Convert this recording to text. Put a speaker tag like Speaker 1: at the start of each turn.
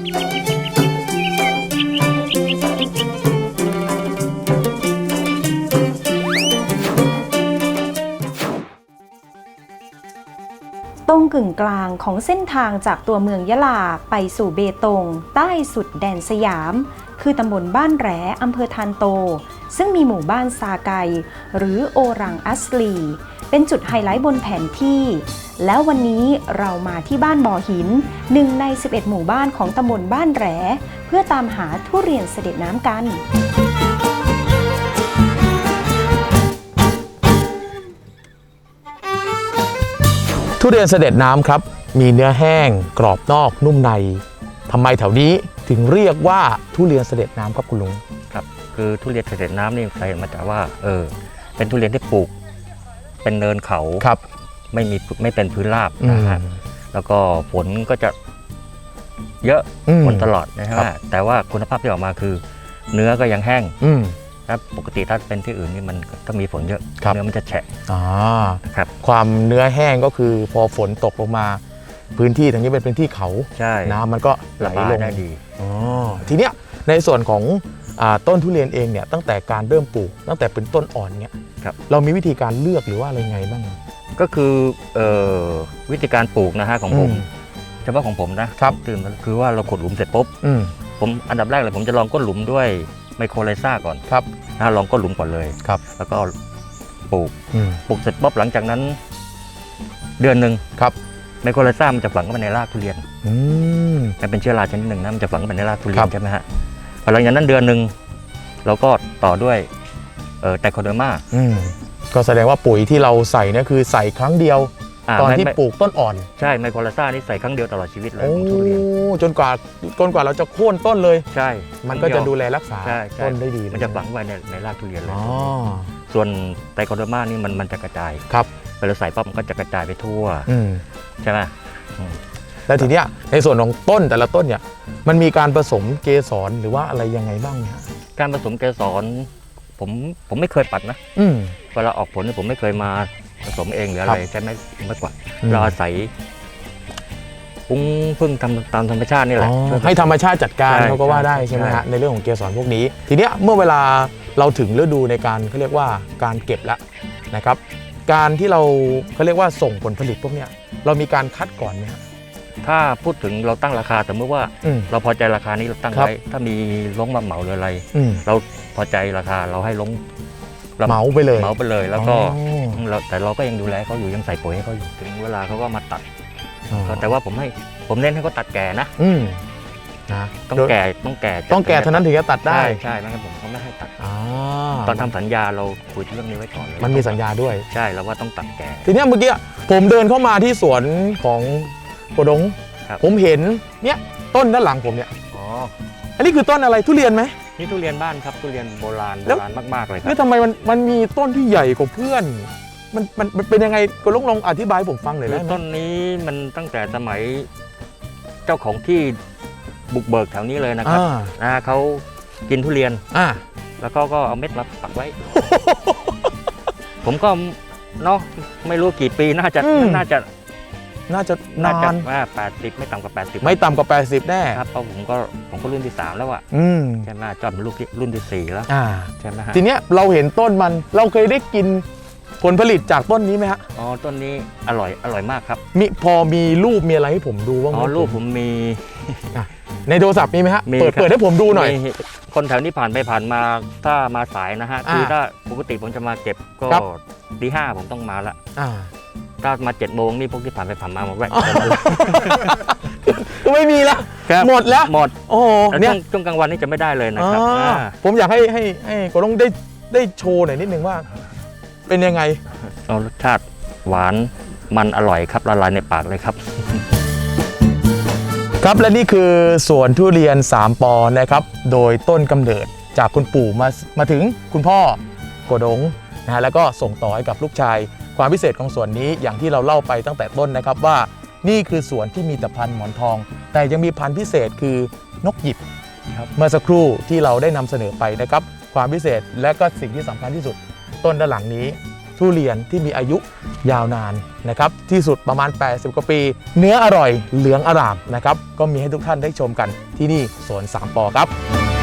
Speaker 1: ตรงกึ่งกลางของเส้นทางจากตัวเมืองยะลาไปสู่เบตงใต้สุดแดนสยามคือตำบลบ้านแหลอำเภอทานโตซึ่งมีหมู่บ้านซาไกหรือโอรังอัสลีเป็นจุดไฮไลท์บนแผนที่แล้ววันนี้เรามาที่บ้านบ่อหิน1 ใน 11 หมู่บ้านของตำบลบ้านแหลเพื่อตามหาทุเรียนเสด็จน้ำกัน
Speaker 2: ทุเรียนเสด็จน้ำครับมีเนื้อแห้งกรอบนอกนุ่มในทำไมแถวนี้ถึงเรียกว่าทุเรียนเสด็จน้ำครับคุณลุง
Speaker 3: ครับคือทุเรียนเสด็จน้ำนี่ใครมาจากว่าเป็นทุเรียนที่ปลูกเป็นเนินเขา
Speaker 2: ครับ
Speaker 3: ไม่เป็นพื้นราบนะฮะแล้วก็ฝนก็จะเยอะฝนตลอดนะฮะแต่ว่าคุณภาพที่ออกมาคือเนื้อก็ยังแห้งครับปกติถ้าเป็นที่อื่นนี่มันถ้ามีฝนเยอะเนื้อมันจะแฉะ
Speaker 2: ครับความเนื้อแห้งก็คือพอฝนตกลงมาพื้นที่ตรงนี้เป็นพื้นที่เขาน้ำมันก็ไหลลง
Speaker 3: ได้ดี
Speaker 2: ทีเนี้ยในส่วนของต้นทุเรียนเองเนี่ยตั้งแต่การเริ่มปลูกตั้งแต่เป็นต้นอ่อนเนี่ยเรามีวิธีการเลือกหรือว่าอะไรไงบ้าง
Speaker 3: ก็คือวิธีการปลูกนะฮะของผมเฉพาะของผมนะครับคือว่าเราขุดหลุมเสร็จปุ๊บผมอันดับแรกเลยผมจะลองก้นหลุมด้วยไมโครไลซ่าก่อน
Speaker 2: ครับ
Speaker 3: ลองก้นหลุมก่อนเลย
Speaker 2: ครับ
Speaker 3: แล้วก็ปลูกเสร็จปุ๊บหลังจากนั้นเดือนหนึ่ง
Speaker 2: ครับ
Speaker 3: ไมโครไลซ่ามันจะฝังเข้าไปในรากทุเรียนมันเป็นเชื้อราชนิดหนึ่งนะมันจะฝังเข้าไปในรากทุเรียนใช่ไหมฮะพอหลังจากนั้นเดือนหนึ่งเราก็ต่อด้วยไตรโคเดอร์มา
Speaker 2: ก็แสดงว่าปุ๋ยที่เราใส่เนี่ยคือใส่ครั้งเดียวตอนที่ปลูกต้นอ่อน
Speaker 3: ใช่ไมโครไลซ่านี่ใส่ครั้งเดียวตลอดชีวิตเลยของทุเรียน
Speaker 2: จนกว่าเราจะโค่นต้นเลย
Speaker 3: ใช่
Speaker 2: มันก็จะดูแลรักษาต้นได้ดี
Speaker 3: มันจะฝังไว้ในรากทุเรียนเลยส่วนไตรโคเดอร์มานี่มันจะกระจาย
Speaker 2: ครับ
Speaker 3: เวลาใส่ปั๊บมันก็จะกระจายไปทั่วใช่ไหม
Speaker 2: แล้วทีเนี้ยในส่วนของต้นแต่ละต้นเนี่ยมันมีการผสมเกสรหรือว่าอะไรยังไงบ้างเนี่ย
Speaker 3: การผสมเกสรผมไม่เคยปัดนะเวลาออกผลนี่ผมไม่เคยมาผสมเองหรืออะไรใช่ไหมไม่กว่าเราอาศัยพึ่งทำตามธรรมชาตินี่แหละ
Speaker 2: ให้ธรรมชาติจัดการเขาก็ว่าได้ใช่ไหมฮะในเรื่องของเกสรพวกนี้ทีเนี้ยเมื่อเวลาเราถึงฤดูในการเขาเรียกว่าการเก็บแล้วนะครับการที่เราเขาเรียกว่าส่งผลผลิตพวกเนี้ยเรามีการคัดก่อนไหมครับ
Speaker 3: ถ้าพูดถึงเราตั้งราคาสมมติว่าเราพอใจราคานี้เราตั้งไว้ถ้ามีลงมาเหมาหรืออะไรเราพอใจราคาเราให้ลง
Speaker 2: เหมาไปเลย
Speaker 3: แล้วก็แต่เราก็ยังดูแลเขาอยู่ยังใส่ปุ๋ยให้เขาอยู่ถึงเวลาเขาก็มาตัดแต่ว่าผมเน้นให้เขาตัดแก่นะต้องแก่
Speaker 2: เท่านั้นถึงจะตัดได้
Speaker 3: ใช่ไม่งั้นผมเขาไม่ให้ตัดตอนทำสัญญาเราคุยเรื่องนี้ไว้ก่อนเลย
Speaker 2: มันมีสัญญาด้วย
Speaker 3: ใช่แล้วว่าต้องตัดแก่
Speaker 2: ทีนี้เมื่อกี้ผมเดินเข้ามาที่สวนของโกดงผมเห็นเนี่ยต้นด้านหลังผมเนี่ยอันนี้คือต้นอะไรทุเรียนไหม
Speaker 3: นี่ทุเรียนบ้านครับทุเรียนโบราณมากๆเลยครับ
Speaker 2: แล้วทำไมมันมีต้นที่ใหญ่กว่าเพื่อนมันเป็นยังไงก็ลองอธิบายผมฟังหน่อยได้ไหม
Speaker 3: ต้นนี้มันตั้งแต่สมัยเจ้าของที่บุกเบิกแถวนี้เลยนะครับเขากินทุเรียนแล้วก็เอาเม็ดมาปักไว้ ผมก็เนาะไม่รู้กี่ปีน่าจะนาน
Speaker 2: ว่า
Speaker 3: 80ไม่ต่ำกว่า80
Speaker 2: ไม่ต่ำกว่า80แน่
Speaker 3: ครับเพราะผมก็รุ่นที่3แล้วอ่ะใช่ไหมจอดเป็นรุ่นที่4แล้วใช่ไหมฮะ
Speaker 2: ทีเนี้ยเราเห็นต้นมันเราเคยได้กินผลผลิตจากต้นนี้ไหมฮะ
Speaker 3: ต้นนี้อร่อยมากครับ
Speaker 2: พอมีรูปมีอะไรให้ผมดูบ้างไหม
Speaker 3: รูปผมมี
Speaker 2: ในโทรศัพท์มีไหมฮะเปิดให้ผมดูหน่อย
Speaker 3: คนแถวนี้ผ่านไปผ่านมาถ้ามาสายนะฮะคือถ้าปกติผมจะมาเก็บก็ตี 5ผมต้องมาละถ้ามา7 โมงนี่พวกที่ผ่านไปผ่านมาแวะ
Speaker 2: ก็ไม่มีแล้วหมดแล้ว
Speaker 3: โอ้เนี่ยช่วงกลางวันนี่จะไม่ได้เลยนะครับ
Speaker 2: ผมอยากให้ก็ต้องได้โชว์หน่อยนิดนึงว่าเป็นยังไง
Speaker 3: รสชาติหวานมันอร่อยครับละลายในปากเลยครับ
Speaker 2: ครับและนี่คือสวนทุเรียน3 ปอนะครับโดยต้นกำเนิดจากคุณปู่มาถึงคุณพ่อโกดงนะฮะแล้วก็ส่งต่อให้กับลูกชายความพิเศษของสวนนี้อย่างที่เราเล่าไปตั้งแต่ต้นนะครับว่านี่คือสวนที่มีแต่พันธุ์หมอนทองแต่ยังมีพันธุ์พิเศษคือนกหยิบเมื่อสักครู่ที่เราได้นำเสนอไปนะครับความพิเศษและก็สิ่งที่สำคัญที่สุดต้นด้านหลังนี้ทุเรียนที่มีอายุยาวนานนะครับที่สุดประมาณ80 กว่าปีเนื้ออร่อยเหลืองอร่ามนะครับก็มีให้ทุกท่านได้ชมกันที่นี่สวน3 ปอครับ